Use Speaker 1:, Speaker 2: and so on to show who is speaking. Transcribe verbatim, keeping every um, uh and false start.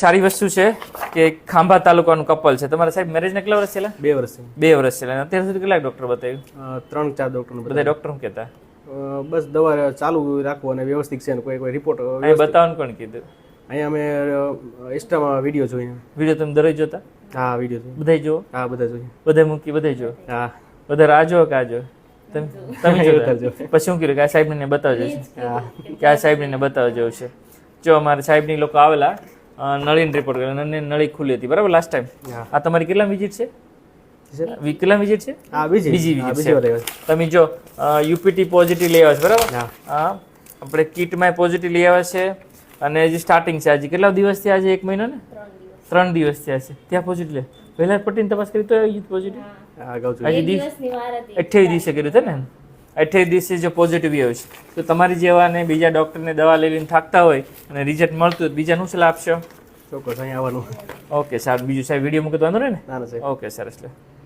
Speaker 1: સારી વસ્તુ છે કે ખાંભા તાલુકાનું કપલ છે. તમારા સાહેબ મેરેજને કેટલા વર્ષ છેલ્લા?
Speaker 2: બે વર્ષ
Speaker 1: બે વર્ષ છેલ્લા. અત્યાર સુધી કેટલા ડોક્ટર બતાવ્યું?
Speaker 2: ત્રણ ચાર ડોક્ટર
Speaker 1: બધા ડોક્ટર શું કહેતા?
Speaker 2: બસ દવા ચાલુ રાખવું અને વ્યવસ્થિત છે ને કોઈ કોઈ રિપોર્ટ
Speaker 1: અહીં બતાવવાનું કોણ કીધું?
Speaker 2: અહીંયા અમે ઇન્સ્ટામાં વિડીયો જોઈએ.
Speaker 1: વિડીયો તમે દરરોજ જોતા?
Speaker 2: હા વિડીયો જોઈએ.
Speaker 1: બધાય જુઓ?
Speaker 2: હા બધા જોઈએ.
Speaker 1: બધા મૂકી બધાય જુઓ?
Speaker 2: હા
Speaker 1: બધા રાહ જુઓ કે આ જુઓ? તમે તમે જોતા? પછી શું કીધું કે આ સાહેબને બતાવજો છે?
Speaker 2: હા
Speaker 1: કે આ સાહેબને બતાવવા જેવું છે. જો અમારા સાહેબની લોકો આવેલા નળીને રિપોર્ટ કર્યો અને નળી ખુલ્લી હતી બરાબર લાસ્ટ ટાઈમ. આ તમારી કેટલા વિઝિટ છે? કેટલા વિઝિટ છે?
Speaker 2: હા બીજી
Speaker 1: બીજી વિઝિટ છે. તમે જો યુપીટી પોઝિટિવ લઈ આવ્યા છે બરાબર? હા આપણે કિટમાં પોઝિટિવ લઈ આવ્યા છે અને હજી સ્ટાર્ટિંગ છે. આજે કેટલા દિવસ થયા? આજે એક મહિનો ને ત્રણ દિવસ થયા છે. ત્યાં પોઝિટિવ લે પહેલા પટ્ટીની તપાસ કરી તો પોઝિટિવ આજે દિવસ અઠ્યાવીસ દિવસે કર્યું છે ને? અઠ્યાવીસ દિવસે જો પોઝિટિવ આવ્યું છે તો તમારી જેવાને બીજા ડૉક્ટરને દવા લઈ લઈને થાકતા હોય અને રિઝલ્ટ મળતું હોય બીજાનું સલાહ આપશો?
Speaker 2: ચોક્કસ અહીં આવવાનું.
Speaker 1: ઓકે સારું. બીજું સાહેબ વિડીયો મૂકે તો વાંધો ને?
Speaker 2: ના ના સાહેબ.
Speaker 1: ઓકે સરસ લે.